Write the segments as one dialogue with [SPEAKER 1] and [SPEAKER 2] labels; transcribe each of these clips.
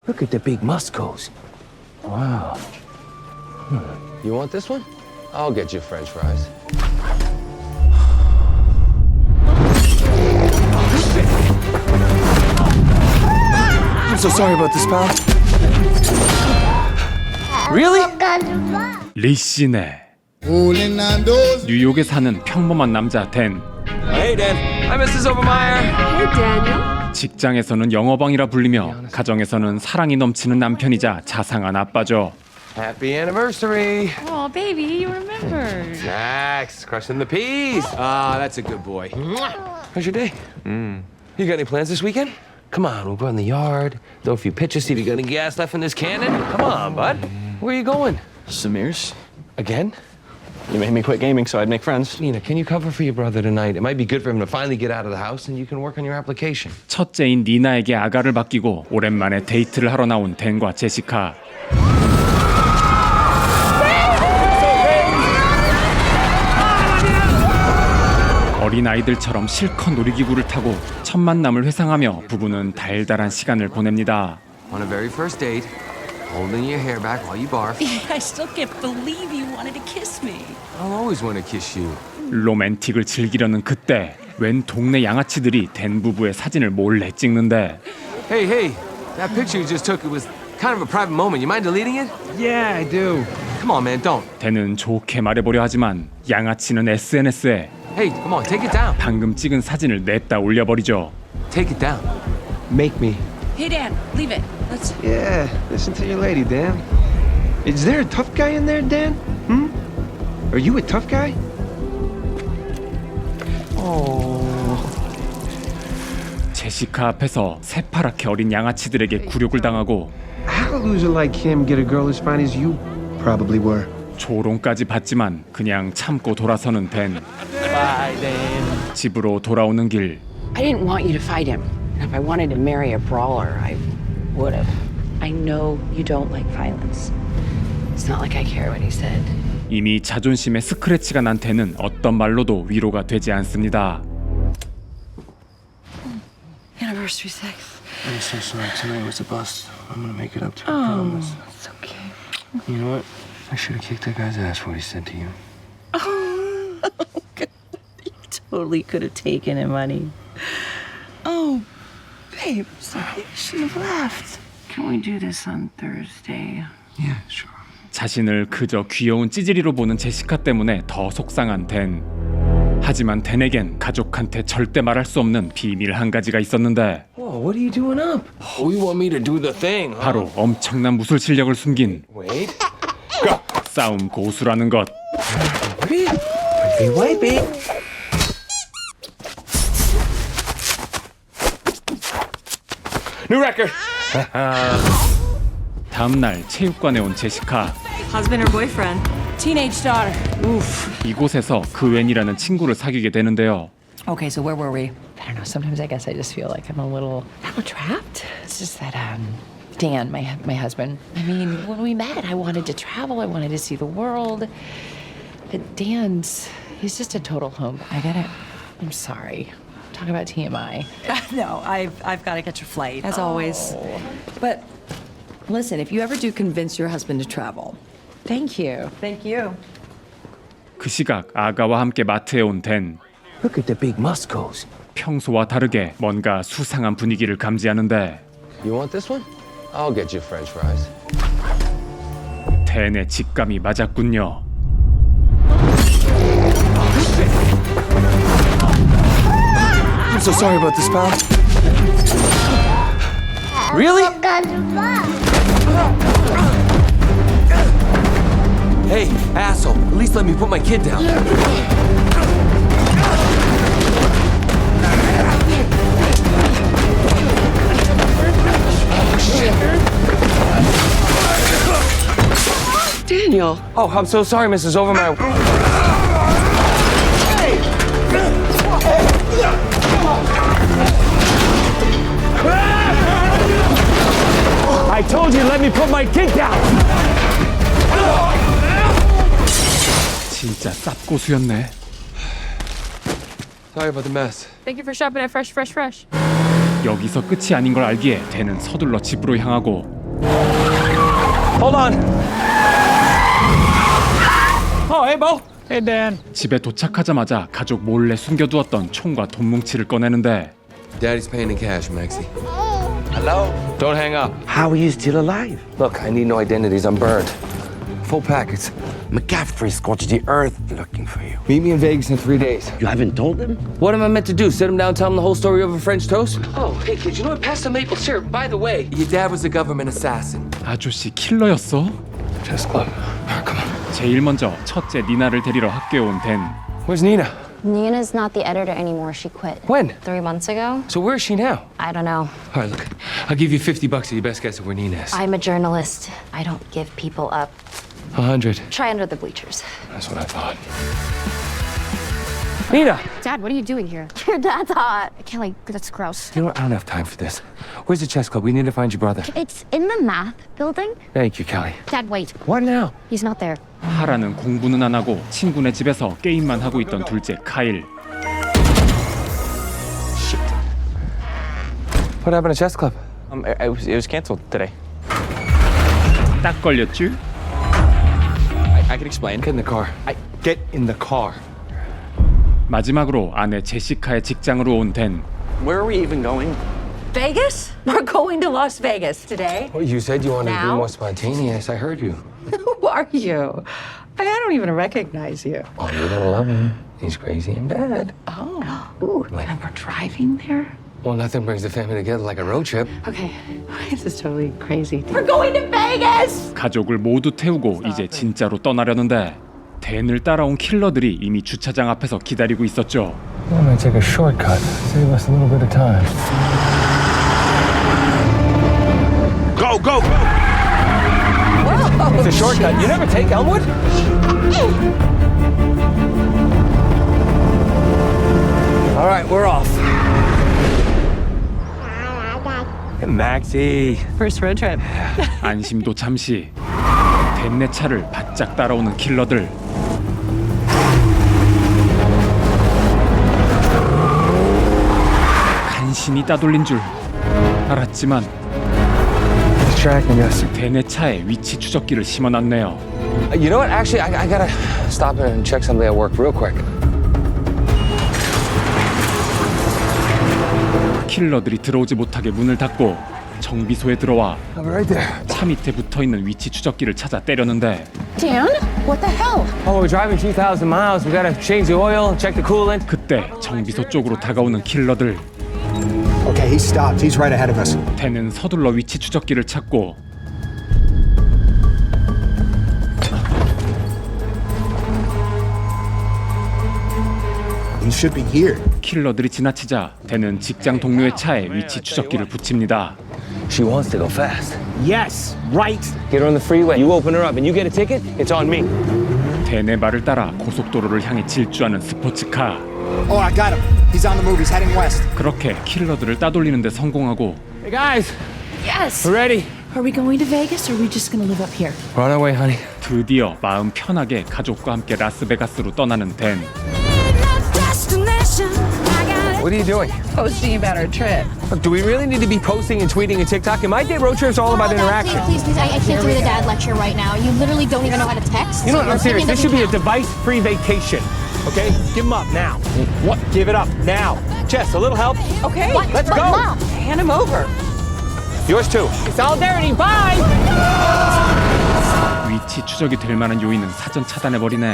[SPEAKER 1] Look at the big muscles. Wow.
[SPEAKER 2] You want this one? I'll get you French fries.
[SPEAKER 1] I'm so sorry about this, pal. Really?
[SPEAKER 3] 리시네. 뉴욕에 사는 평범한 남자 댄.
[SPEAKER 2] Hey, Dan. Hi, Mrs. Overmeyer.
[SPEAKER 4] Hey, Daniel.
[SPEAKER 3] 직장에서는 영어방이라 불리며 가정에서는 사랑이 넘치는 남편이자 자상한 아빠죠.
[SPEAKER 2] Happy anniversary.
[SPEAKER 4] Oh, baby, you remembered.
[SPEAKER 2] Max, crushing the peas. Ah, that's a good boy. How's your day? You got any plans this weekend? Come on, we'll go in the yard, throw a few pitches, see if you got any gas left in this cannon. Come on, bud. Where are you going?
[SPEAKER 1] Samir's?
[SPEAKER 2] Again?
[SPEAKER 1] You made me quit gaming so I'd make friends.
[SPEAKER 2] Nina, can you cover for your brother tonight? It might be good for him to finally get out of the house and you can work on your application.
[SPEAKER 3] 첫째인 니나에게 아가를 맡기고 오랜만에 데이트를 하러 나온 댄과 제시카. 어린아이들처럼 실컷 놀이기구를 타고 첫 만남을 회상하며 부부는 달달한 시간을 보냅니다.
[SPEAKER 2] On a very first date, holding your hair back while you barf.
[SPEAKER 5] I still can't believe you wanted to kiss me.
[SPEAKER 2] I'll always want to kiss you.
[SPEAKER 3] 로맨틱을 즐기려는 그때 웬 동네 양아치들이 댄 부부의 사진을 몰래 찍는데
[SPEAKER 2] Hey, hey, that picture you just took, it was kind of a private moment. You mind deleting it?
[SPEAKER 1] Yeah, I do.
[SPEAKER 2] Come on, man, don't.
[SPEAKER 3] 댄은 좋게 말해보려 하지만 양아치는 SNS에
[SPEAKER 2] Hey, come on, take it down.
[SPEAKER 3] 방금 찍은 사진을 냈다 올려버리죠.
[SPEAKER 2] Take it down. Make me.
[SPEAKER 5] Hey, Dan, leave it. Let's.
[SPEAKER 1] Yeah, listen to your lady, Dan. Is there a tough guy in there, Dan? Are you a tough guy?
[SPEAKER 3] 제시카 앞에서 새파랗게 어린 양아치들에게 굴욕을 당하고
[SPEAKER 1] How a loser like him get a girl as fine as you probably were?
[SPEAKER 3] 조롱까지 받지만 그냥 참고 돌아서는 댄.
[SPEAKER 1] Bye, Dan.
[SPEAKER 3] 집으로 돌아오는 길
[SPEAKER 6] I didn't want you to fight him. If I wanted to marry a brawler, I would have. I know you don't like violence. It's not like I care what he said.
[SPEAKER 3] 이미 자존심에 스크래치가 난 댄은 어떤 말로도 위로가 되지 않습니다.
[SPEAKER 5] Anniversary sex.
[SPEAKER 1] I'm so sorry. Tonight was a bust. I'm gonna make it up to you. I promise.
[SPEAKER 5] It's okay.
[SPEAKER 1] You know what? I should have kicked that guy's ass for what he said to you.
[SPEAKER 5] You totally could have taken him, honey. Oh, babe, sorry. You should have left.
[SPEAKER 6] Can we do this on Thursday?
[SPEAKER 1] Yeah, sure.
[SPEAKER 3] 자신을 그저 귀여운 찌질이로 보는 제시카 때문에 더 속상한 댄. 하지만 댄에겐 가족한테 절대 말할 수 없는 비밀 한 가지가 있었는데
[SPEAKER 2] Whoa, what are you doing up? Oh, you want me to do the thing, huh?
[SPEAKER 3] 바로 엄청난 무술 실력을 숨긴
[SPEAKER 2] Wait.
[SPEAKER 3] 싸움 고수라는 것.
[SPEAKER 2] Wipe it. New record.
[SPEAKER 3] 다음 날 체육관에 온 제시카.
[SPEAKER 4] Husband or boyfriend?
[SPEAKER 5] Teenage daughter.
[SPEAKER 3] 이곳에서 그웬이라는 친구를 사귀게 되는데요.
[SPEAKER 5] Okay, so where were we?
[SPEAKER 6] I don't know. Sometimes I guess I just feel like I'm a little trapped. It's just that Dan, my husband. I mean, when we met, I wanted to travel. I wanted to see the world. But he's just a total home. I gotta. I'm sorry. Talk about TMI.
[SPEAKER 4] No, I've got to catch a flight, as always. But listen, if you ever do convince your husband to travel,
[SPEAKER 6] Thank you.
[SPEAKER 4] thank you.
[SPEAKER 3] 그 시각 아가와 함께 마트에 온 댄.
[SPEAKER 1] Look at the big muscles.
[SPEAKER 3] 평소와 다르게 뭔가 수상한 분위기를 감지하는데
[SPEAKER 2] You want this one? I'll get you French fries.
[SPEAKER 3] 댄의 직감이 맞았군요.
[SPEAKER 1] I'm so sorry about this, pal. Really?
[SPEAKER 2] Hey, asshole, at least let me put my kid down.
[SPEAKER 6] Daniel.
[SPEAKER 2] Oh, I'm so sorry, Mrs. Overmeyer. I told you, let me put my kid down.
[SPEAKER 3] 진짜 쌉고수였네.
[SPEAKER 2] Sorry about the mess.
[SPEAKER 4] Thank you for shopping at Fresh.
[SPEAKER 3] 여기서 끝이 아닌 걸 알기에 댄은 서둘러 집으로 향하고
[SPEAKER 2] Hold on. Oh, hey, Bo.
[SPEAKER 7] Hey, Dan.
[SPEAKER 3] 집에 도착하자마자 가족 몰래 숨겨두었던 총과 돈 뭉치를 꺼내는데
[SPEAKER 2] Daddy's paying in cash, Maxie. Hello? Don't hang up.
[SPEAKER 8] How are you still alive?
[SPEAKER 2] Look, I need no identities. I'm burned. Full packets.
[SPEAKER 8] McCaffrey scorched the earth looking for you.
[SPEAKER 2] Meet me in Vegas in 3 days.
[SPEAKER 8] You haven't told him?
[SPEAKER 2] What am I meant to do? Sit him down, tell him the whole story over French toast? Oh, hey, kids, you know what? Pass the maple syrup. By the way, your dad was a government assassin.
[SPEAKER 3] 아저씨 킬러였어?
[SPEAKER 2] Chess club. Come on.
[SPEAKER 3] 제일 먼저 첫째 니나를 데리러 학교에 온 댄.
[SPEAKER 2] Where's Nina?
[SPEAKER 9] Nina's not the editor anymore. She quit.
[SPEAKER 2] When?
[SPEAKER 9] 3 months ago?
[SPEAKER 2] So where is she now?
[SPEAKER 9] I don't know.
[SPEAKER 2] All right, look. I'll give you $50 to your best guess of where Nina is.
[SPEAKER 9] I'm a journalist. I don't give people up.
[SPEAKER 2] 100.
[SPEAKER 9] Try under the bleachers.
[SPEAKER 2] That's what I thought. Nina!
[SPEAKER 10] Dad, what are you doing here?
[SPEAKER 9] Your dad's hot.
[SPEAKER 10] Kelly, that's gross.
[SPEAKER 2] You know what? I don't have time for this. Where's the chess club? We need to find your brother.
[SPEAKER 10] It's in the math building.
[SPEAKER 2] Thank you, Kelly.
[SPEAKER 10] Dad, wait.
[SPEAKER 2] What now?
[SPEAKER 10] He's not there.
[SPEAKER 3] 하라는 공부는 안 하고 친구네 집에서 게임만 하고 있던 둘째 카일.
[SPEAKER 2] What happened to chess club?
[SPEAKER 7] It was canceled today.
[SPEAKER 3] 딱 걸렸쥬?
[SPEAKER 7] I can explain.
[SPEAKER 2] Get in the car.
[SPEAKER 7] Get in the car.
[SPEAKER 3] 마지막으로 아내 제시카의 직장으로 온 댄.
[SPEAKER 7] Where are we even going?
[SPEAKER 4] Vegas? We're going to Las Vegas today.
[SPEAKER 2] Well, you said you wanted to be
[SPEAKER 4] Now?
[SPEAKER 2] more spontaneous. I heard you.
[SPEAKER 4] Who are you? I don't even recognize you.
[SPEAKER 2] Oh, you're gonna love him. He's crazy and bad.
[SPEAKER 4] Oh, ooh, and we're driving there?
[SPEAKER 2] Well, nothing brings the family together like a road trip.
[SPEAKER 4] Okay, this is totally crazy. We're going to Vegas!
[SPEAKER 3] 가족을 모두 태우고 이제 진짜로 떠나려는데 댄을 따라온 킬러들이 이미 주차장 앞에서 기다리고 있었죠.
[SPEAKER 2] I'm gonna take a shortcut. Save us a little bit of time.
[SPEAKER 8] Go, go, go!
[SPEAKER 2] It's a shortcut. You never take Elmwood? All right, we're off. Maxie.
[SPEAKER 4] First road trip.
[SPEAKER 3] 안심도 잠시 댄네 차를 바짝 따라오는 킬러들. 간신히 따돌린 줄 알았지만
[SPEAKER 2] Tracking us.
[SPEAKER 3] 댄네 차에 위치 추적기를 심어놨네요.
[SPEAKER 2] You know what? Actually, I gotta stop and check something at work real quick.
[SPEAKER 3] 킬러들이 들어오지 못하게 문을 닫고 정비소에 들어와
[SPEAKER 2] I'm right there.
[SPEAKER 3] 차 밑에 붙어있는 위치 추적기를 찾아 때렸는데
[SPEAKER 10] Dan? What the hell?
[SPEAKER 2] Oh, we're driving 2,000 miles. We gotta change the oil, check the coolant.
[SPEAKER 3] 그때 정비소 쪽으로 다가오는 킬러들.
[SPEAKER 11] Okay, he stopped. He's right ahead of us.
[SPEAKER 3] 댄은 서둘러 위치 추적기를 찾고
[SPEAKER 11] He should be here.
[SPEAKER 3] 킬러들이 지나치자 댄은 직장 동료의 차에 위치 추적기를 붙입니다.
[SPEAKER 2] She wants to go fast.
[SPEAKER 7] Yes, right.
[SPEAKER 2] Get her on the freeway. You open her up and you get a ticket, it's on me.
[SPEAKER 3] 댄의 말을 따라 고속도로를 향해 질주하는 스포츠카.
[SPEAKER 11] Oh, I got him. He's on the move. He's heading west.
[SPEAKER 3] 그렇게 킬러들을 따돌리는 데 성공하고
[SPEAKER 2] Hey, guys.
[SPEAKER 10] Yes.
[SPEAKER 2] We're ready.
[SPEAKER 10] Are we going to Vegas or are we just going to live up here?
[SPEAKER 2] We're on our way, honey.
[SPEAKER 3] 드디어 마음 편하게 가족과 함께 라스베가스로 떠나는 댄.
[SPEAKER 2] What are you doing?
[SPEAKER 4] Posting about our trip.
[SPEAKER 2] Look, do we really need to be posting and tweeting and TikTok? My day road trip's all about interaction.
[SPEAKER 10] Please, I can't do the dad lecture right now. You literally don't even know how to text.
[SPEAKER 7] You know what?
[SPEAKER 10] so your
[SPEAKER 7] I'm serious.
[SPEAKER 10] opinion
[SPEAKER 7] This should be a
[SPEAKER 10] doesn't count.
[SPEAKER 7] device-free vacation. Okay? Give them up now. What? Give it up now. Jess, a little help?
[SPEAKER 4] Okay,
[SPEAKER 7] Let's
[SPEAKER 4] but
[SPEAKER 7] go.
[SPEAKER 4] Mom, hand him over.
[SPEAKER 7] Yours too. Solidarity. Bye.
[SPEAKER 3] 위치 추적이 될 만한 요인은 사전 차단해버리네.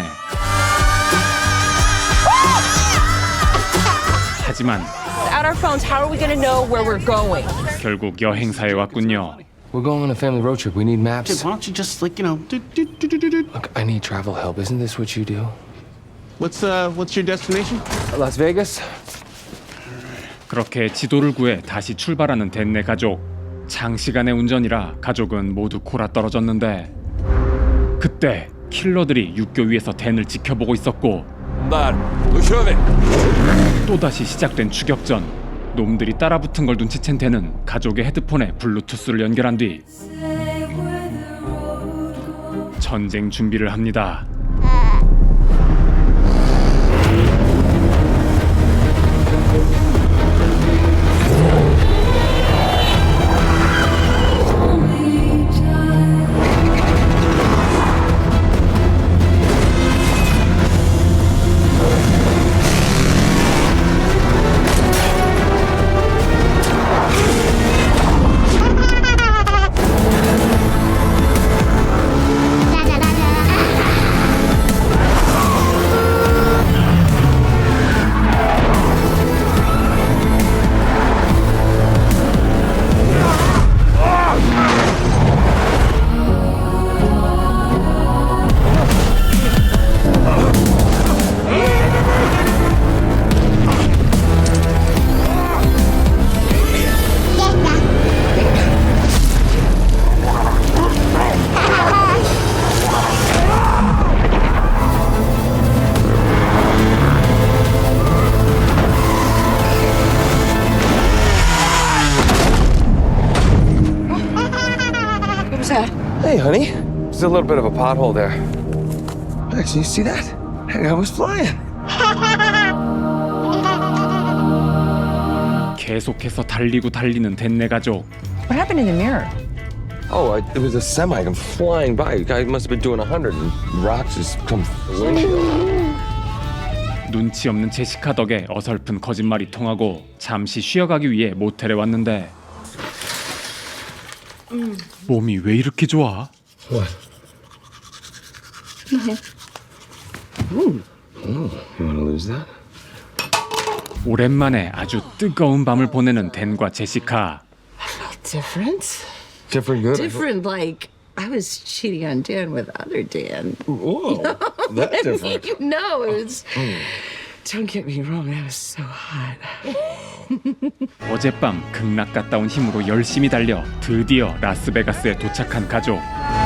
[SPEAKER 3] 하지만
[SPEAKER 4] Without our phones, how are we going to know where we're going?
[SPEAKER 3] 결국 여행사에 왔군요.
[SPEAKER 2] We're going on a family road trip. We need maps.
[SPEAKER 7] Why don't you just like do.
[SPEAKER 2] Look, I need travel help. Isn't this what you do?
[SPEAKER 7] What's your destination?
[SPEAKER 2] Las Vegas?
[SPEAKER 3] 그렇게 지도를 구해 다시 출발하는 댄네 가족. 장시간의 운전이라 가족은 모두 골아 떨어졌는데 그때 킬러들이 육교 위에서 댄을 지켜보고 있었고 또다시 시작된 추격전. 놈들이 따라붙은 걸 눈치챈 댄은 가족의 헤드폰에 블루투스를 연결한 뒤 전쟁 준비를 합니다.
[SPEAKER 6] Dad.
[SPEAKER 2] Hey, honey. There's a little bit of a pothole there. Hey, can you see that? Hey, I was flying.
[SPEAKER 3] 계속해서 달리고 달리는 댄네 가족.
[SPEAKER 6] What happened in the mirror?
[SPEAKER 2] Oh, it was a semi come flying by. The guy must have been doing 100 and rocks just come through the windshield.
[SPEAKER 3] 눈치 없는 제시카 덕에 어설픈 거짓말이 통하고 잠시 쉬어가기 위해 모텔에 왔는데 몸이 왜 이렇게 좋아?
[SPEAKER 2] What? You want to lose that?
[SPEAKER 3] 오랜만에 아주 뜨거운 밤을 보내는 댄과 제시카.
[SPEAKER 6] Different?
[SPEAKER 2] Different good?
[SPEAKER 6] Different, like I was cheating on Dan with other Dan.
[SPEAKER 2] Whoa, that's different.
[SPEAKER 6] You know, it was. Don't get me wrong, that was so hot.
[SPEAKER 3] 어젯밤 극락 갔다 온 힘으로 열심히 달려 드디어 라스베가스에 도착한 가족.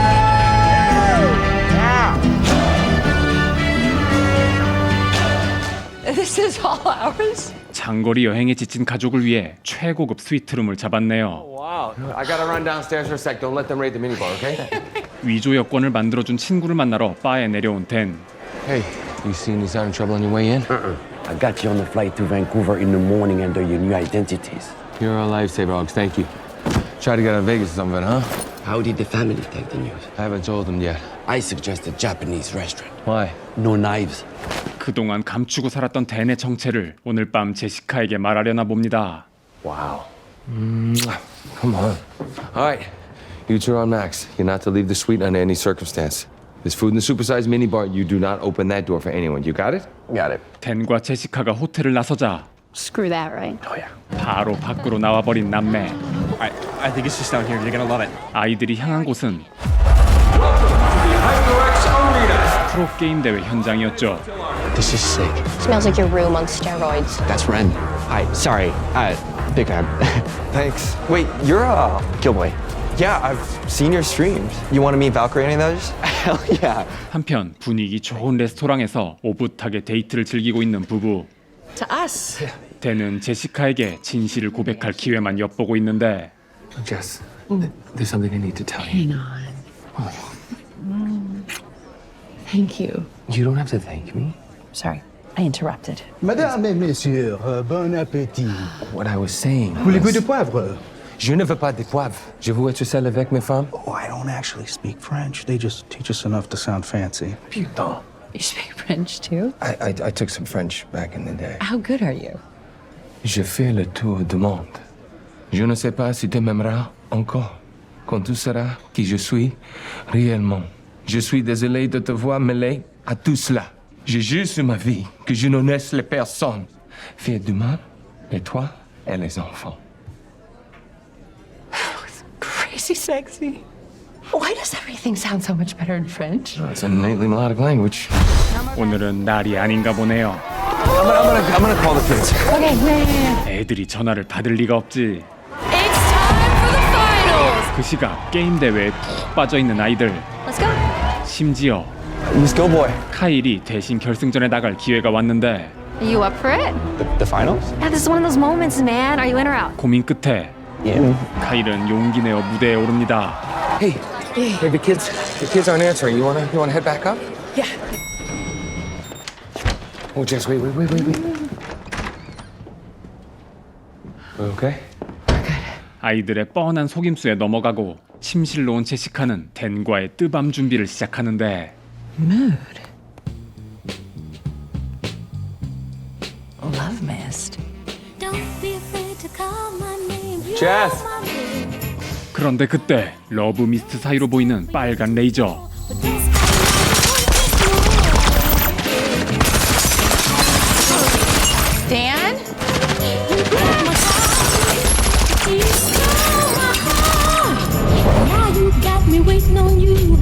[SPEAKER 6] This is all ours?
[SPEAKER 3] 장거리 여행에 지친 가족을 위해 최고급 스위트룸을 잡았네요.
[SPEAKER 2] Wow. I gotta run downstairs for a sec. Don't let them raid the minibar, okay?
[SPEAKER 3] 위조 여권을 만들어준 친구를 만나러 바에 내려온 댄.
[SPEAKER 2] Hey, you seen any sign of trouble on your way in?
[SPEAKER 8] I got you on the flight to Vancouver in the morning under your new identities.
[SPEAKER 2] You're a lifesaver, Alex. Thank you. Try to get out of Vegas or something, huh?
[SPEAKER 8] How did the family take the news?
[SPEAKER 2] I haven't told them yet.
[SPEAKER 8] I suggest a Japanese restaurant.
[SPEAKER 2] Why?
[SPEAKER 8] No knives.
[SPEAKER 3] 그동안 감추고 살았던 댄의 정체를 오늘 밤 제시카에게 말하려나 봅니다.
[SPEAKER 2] Wow. Come on. All right. You two are on Max. You're not to leave the suite under any circumstance. There's food in the supersized minibar. You do not open that door for anyone. You got it?
[SPEAKER 8] Got it.
[SPEAKER 3] 댄과 제시카가 호텔을 나서자
[SPEAKER 10] Screw that, right?
[SPEAKER 2] Oh, yeah.
[SPEAKER 3] 바로 밖으로 나와버린 남매.
[SPEAKER 7] I think it's just down here. You're gonna love it.
[SPEAKER 3] 아이들이 향한 곳은 프로게임 대회 현장이었죠.
[SPEAKER 8] This is sick.
[SPEAKER 10] Smells like your room on steroids.
[SPEAKER 7] That's Ren. Hi. Sorry. Big fan.
[SPEAKER 12] Thanks. Wait, you're Gilboy. Yeah, I've seen your streams. You want to meet Valkyrie any of those? Hell yeah.
[SPEAKER 3] 한편 분위기 좋은 레스토랑에서 오붓하게 데이트를 즐기고 있는 부부.
[SPEAKER 6] To us.
[SPEAKER 3] 댄은 제시카에게 진실을 고백할 기회만 엿보고 있는데
[SPEAKER 2] Jess, there's something I need to tell you.
[SPEAKER 6] Hang on. Thank you.
[SPEAKER 2] You don't have to thank me.
[SPEAKER 6] Sorry, I interrupted.
[SPEAKER 11] Madame et messieurs, bon appétit.
[SPEAKER 2] What I was saying.
[SPEAKER 11] Voulez-vous de poivre?
[SPEAKER 2] Je ne veux pas de poivre. Je veux être seul avec mes femmes.
[SPEAKER 11] Oh, I don't actually speak French. They just teach us enough to sound fancy.
[SPEAKER 2] Putain.
[SPEAKER 6] You speak French too?
[SPEAKER 2] I took some French back in the day.
[SPEAKER 6] How good are you?
[SPEAKER 2] Je fais le tour du monde. Je ne sais pas si tu m'aimeras encore quand tu sauras qui je suis réellement. Je suis désolé de te voir mêlé à tout cela. Je jure sur ma vie que je ne laisse les personnes faire du mal, et toi et les enfants.
[SPEAKER 6] Crazy sexy. Why does everything sound so much better in French?
[SPEAKER 2] It's an innately melodic language.
[SPEAKER 3] 오늘은 날이 아닌가 보네요.
[SPEAKER 2] I'm gonna call the kids.
[SPEAKER 6] Okay, man.
[SPEAKER 3] 애들이 전화를 받을 리가 없지.
[SPEAKER 10] It's time for the finals!
[SPEAKER 3] 그 시각 게임 대회에 푹 빠져 있는 아이들.
[SPEAKER 10] Let's go.
[SPEAKER 3] 심지어
[SPEAKER 12] Miss Gilboy.
[SPEAKER 3] 카일이 대신 결승전에 나갈 기회가 왔는데
[SPEAKER 10] Are you up for it?
[SPEAKER 12] The finals?
[SPEAKER 10] Yeah, this is one of those moments, man. Are you in or out?
[SPEAKER 3] 고민 끝에
[SPEAKER 12] Yeah.
[SPEAKER 3] 카일은 용기 내어 무대에 오릅니다.
[SPEAKER 2] Hey, the kids aren't answering. You wanna head back up?
[SPEAKER 6] Yeah.
[SPEAKER 2] Oh, Jess, wait. Okay?
[SPEAKER 3] 아이들의 뻔한 속임수에 넘어가고 침실로 온 제시카는 댄과의 뜨밤 준비를 시작하는데
[SPEAKER 6] Mood. Love mist.
[SPEAKER 10] Don't be afraid to call my name. You
[SPEAKER 2] Jess.
[SPEAKER 10] know my name.
[SPEAKER 3] 그런데 그때 러브 미스트 사이로 보이는 빨간 레이저.
[SPEAKER 10] But this
[SPEAKER 6] Dan?
[SPEAKER 10] now you got me waiting on you.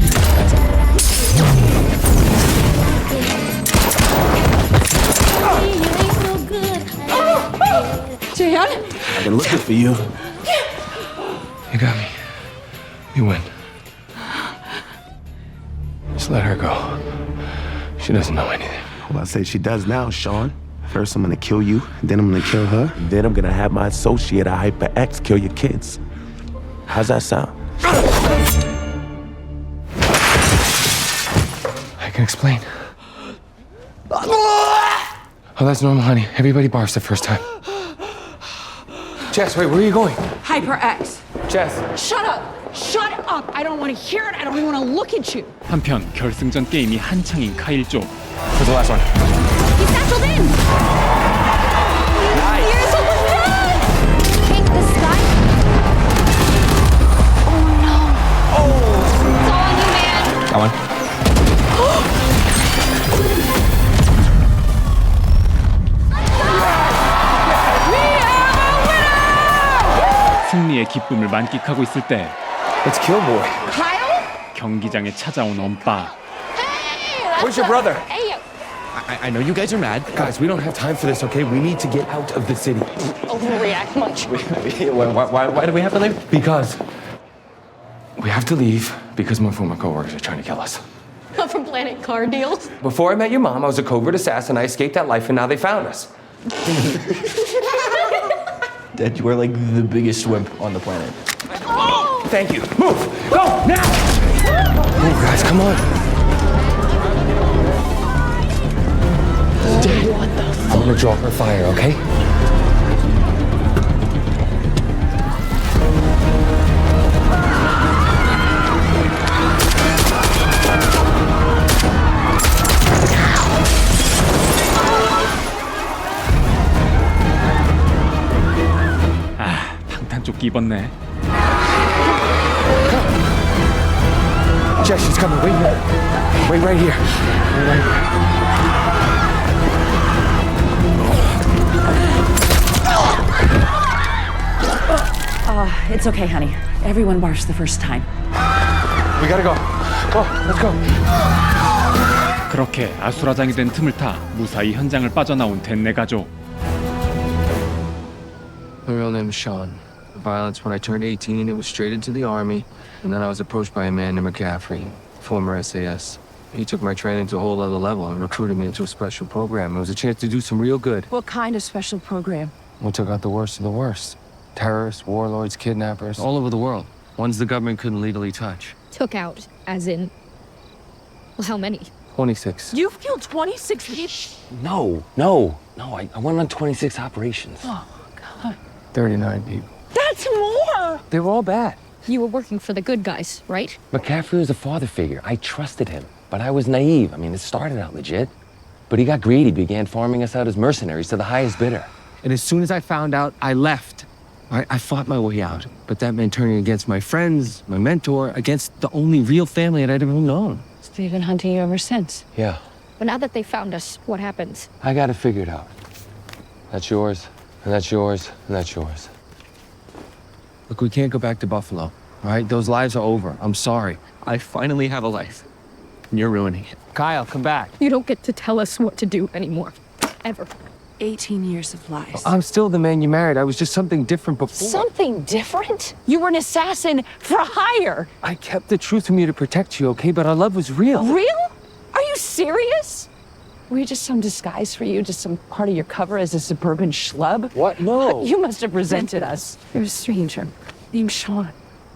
[SPEAKER 10] You ain't no good.
[SPEAKER 6] Dan?
[SPEAKER 8] I've been looking for you.
[SPEAKER 2] You got me. You win. Just let her go. She doesn't know anything.
[SPEAKER 8] Well, I say she does now, Sean. First, I'm gonna kill you, then I'm gonna kill her, then I'm gonna have my associate, a Hyper X, kill your kids. How's that sound?
[SPEAKER 2] can explain. Oh, that's normal, honey. Everybody barfs the first time. Jess, wait, where are you going?
[SPEAKER 4] HyperX.
[SPEAKER 2] Jess.
[SPEAKER 4] Shut up. Shut up. I don't want to hear it. I don't even want to look at you.
[SPEAKER 3] 한편 결승전 게임이 한창인 카일 쪽.
[SPEAKER 2] Where's the last one?
[SPEAKER 10] He's satcheled in! Here's what was done! Hey, this guy? Oh no. Oh! It's all on you, man.
[SPEAKER 12] That one.
[SPEAKER 3] 승리의 기쁨을 만끽하고 있을 때
[SPEAKER 12] Let's kill boy.
[SPEAKER 3] 경기장에 찾아온 엄빠.
[SPEAKER 2] Where's your brother?
[SPEAKER 10] Hey,
[SPEAKER 2] I know you guys are mad. Guys, we don't have time for this, okay? We need to get out of the city.
[SPEAKER 10] overreact much.
[SPEAKER 2] Why do we have to leave? Because we have to leave because my former coworkers are trying to kill us.
[SPEAKER 10] Come from Planet Car Deals.
[SPEAKER 2] Before I met your mom, I was a covert assassin. I escaped that life, and now they found us.
[SPEAKER 12] Dad, you are like the biggest wimp on the planet.
[SPEAKER 2] Thank you. Move! Go! Now! Move, guys, come on. Dad, what the fuck? I'm gonna draw her fire, okay?
[SPEAKER 3] 방탄조끼 입었네.
[SPEAKER 2] Jess, she's coming. Wait here. Wait right here. Wait right here.
[SPEAKER 4] It's okay, honey. Everyone barfs the first time.
[SPEAKER 2] We gotta go. Go, let's go.
[SPEAKER 3] 그렇게 아수라장이 된 틈을 타 무사히 현장을 빠져나온 댄네 가족.
[SPEAKER 13] My real name is Sean. The violence when I turned 18, it was straight into the army. And then I was approached by a man named McCaffrey, former SAS. He took my training to a whole other level and recruited me into a special program. It was a chance to do some real good.
[SPEAKER 4] What kind of special program?
[SPEAKER 13] We took out the worst of the worst. Terrorists, warlords, kidnappers, all over the world. Ones the government couldn't legally touch.
[SPEAKER 10] Took out, as in. Well, how many?
[SPEAKER 13] 26.
[SPEAKER 4] You've killed 26 people?
[SPEAKER 13] No, I went on 26 operations.
[SPEAKER 4] Oh, God.
[SPEAKER 13] 39 people.
[SPEAKER 4] That's more!
[SPEAKER 13] They were all bad.
[SPEAKER 10] You were working for the good guys, right?
[SPEAKER 13] McCaffrey was a father figure. I trusted him, but I was naive. I mean, it started out legit. But he got greedy, began farming us out as mercenaries to the highest bidder. And as soon as I found out, I left. I fought my way out, but that meant turning against my friends, my mentor, against the only real family that I'd ever known.
[SPEAKER 4] So they've been hunting you ever since?
[SPEAKER 13] Yeah,
[SPEAKER 10] But now that they found us, what happens?
[SPEAKER 13] I got it figured out. That's yours, and that's yours, and that's yours. Look, we can't go back to Buffalo, all right? Those lives are over. I'm sorry. I finally have a life, and you're ruining it. Kyle, come back.
[SPEAKER 10] You don't get to tell us what to do anymore. Ever.
[SPEAKER 4] 18 years of lies.
[SPEAKER 13] I'm still the man you married. I was just something different before.
[SPEAKER 10] Something different?
[SPEAKER 4] You were an assassin for hire.
[SPEAKER 13] I kept the truth from you to protect you, okay? But our love was real.
[SPEAKER 4] Real? Are you serious? Were we just some disguise for you, just some part of your cover as a suburban schlub?
[SPEAKER 13] What? No.
[SPEAKER 4] You must have resented us. You're a stranger named Sean.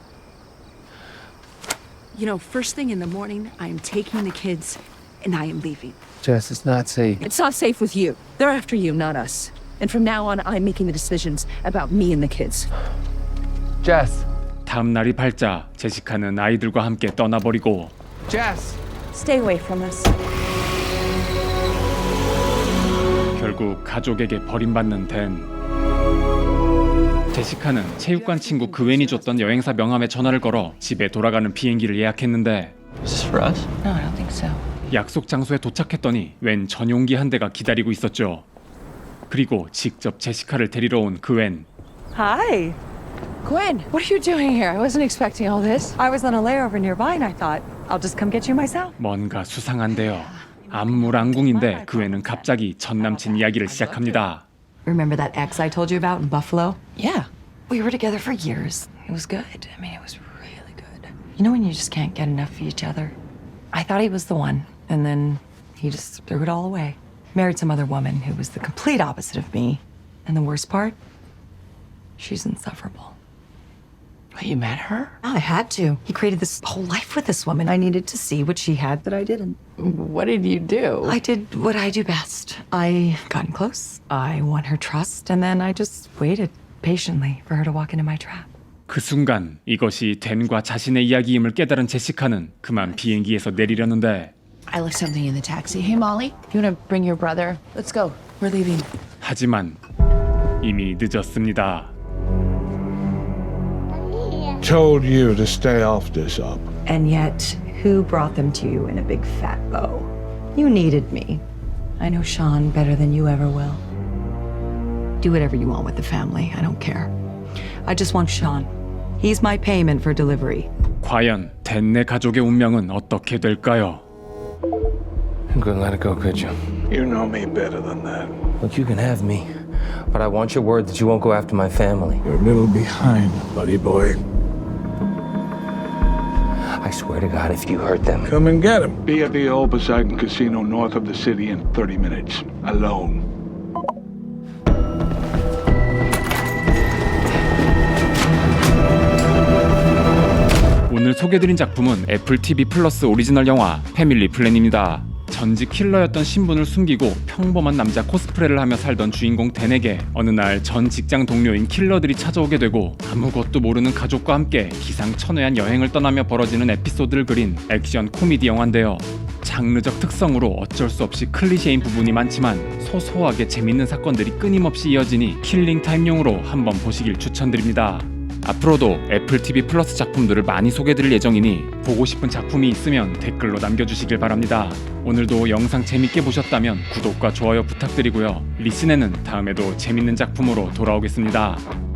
[SPEAKER 4] You know, first thing in the morning, I am taking the kids and I am leaving.
[SPEAKER 13] Jess, it's not safe.
[SPEAKER 4] It's not safe with you. They're after you, not us. And from now on, I'm making the decisions about me and the kids.
[SPEAKER 13] Jess.
[SPEAKER 3] 다음 날이 밝자 제시카는 아이들과 함께 떠나버리고
[SPEAKER 13] Jess.
[SPEAKER 4] Stay away from us.
[SPEAKER 3] 결국 가족에게 버림받는 댄. 제시카는 체육관 친구 그웬이 줬던 여행사 명함에 전화를 걸어 집에 돌아가는 비행기를 예약했는데
[SPEAKER 12] Is this for us?
[SPEAKER 4] No, I don't think so.
[SPEAKER 3] 약속 장소에 도착했더니 웬 전용기 한 대가 기다리고 있었죠. 그리고 직접 제시카를 데리러 온 그웬.
[SPEAKER 4] Hi. Gwen, what are you doing here? I wasn't expecting all this. I was on a layover nearby and I thought, I'll just come get you myself.
[SPEAKER 3] 뭔가 수상한데요. 안무랑궁인데 그웬은 갑자기 전 남친 이야기를 시작합니다.
[SPEAKER 4] Remember that ex I told you about in Buffalo? Yeah. We were together for years. It was good. I mean, it was really good. You know when you just can't get enough of each other? I thought he was the one. And then he just threw it all away. Married some other woman who was the complete opposite of me. And the worst part? She's insufferable. You met her? I had to. He created this whole life with this woman. I needed to see what she had that I didn't.
[SPEAKER 6] What did you do?
[SPEAKER 4] I did what I do best. I got in close. I won her trust, and then I just waited patiently for her to walk into my trap.
[SPEAKER 3] 그 순간 이것이 댄과 자신의 이야기임을 깨달은 제시카는 그만 비행기에서 내리려는데
[SPEAKER 6] I left something in the taxi. Hey, Molly, you want to bring your brother? Let's go. We're leaving.
[SPEAKER 3] 하지만 이미 늦었습니다.
[SPEAKER 14] Told you to stay off this up.
[SPEAKER 4] And yet, who brought them to you in a big fat bow? You needed me. I know Sean better than you ever will. Do whatever you want with the family. I don't care. I just want Sean. He's my payment for delivery.
[SPEAKER 3] 과연 댄네 가족의 운명은 어떻게 될까요?
[SPEAKER 2] You couldn't let it go, could you?
[SPEAKER 14] You know me better than that.
[SPEAKER 2] Look, you can have me, but I want your word that you won't go after my family.
[SPEAKER 14] You're a little behind, buddy boy.
[SPEAKER 2] I swear to God, if you hurt them...
[SPEAKER 14] Come and get him. Be at the old Poseidon Casino north of the city in 30 minutes. Alone.
[SPEAKER 3] 오늘 소개드린 작품은 애플 TV 플러스 오리지널 영화 패밀리 플랜입니다. 전직 킬러였던 신분을 숨기고 평범한 남자 코스프레를 하며 살던 주인공 댄에게 어느 날 전 직장 동료인 킬러들이 찾아오게 되고 아무것도 모르는 가족과 함께 기상천외한 여행을 떠나며 벌어지는 에피소드를 그린 액션 코미디 영화인데요. 장르적 특성으로 어쩔 수 없이 클리셰인 부분이 많지만 소소하게 재밌는 사건들이 끊임없이 이어지니 킬링타임용으로 한번 보시길 추천드립니다. 앞으로도 애플 TV 플러스 작품들을 많이 소개드릴 예정이니 보고 싶은 작품이 있으면 댓글로 남겨주시길 바랍니다. 오늘도 영상 재밌게 보셨다면 구독과 좋아요 부탁드리고요. 리슨에는 다음에도 재밌는 작품으로 돌아오겠습니다.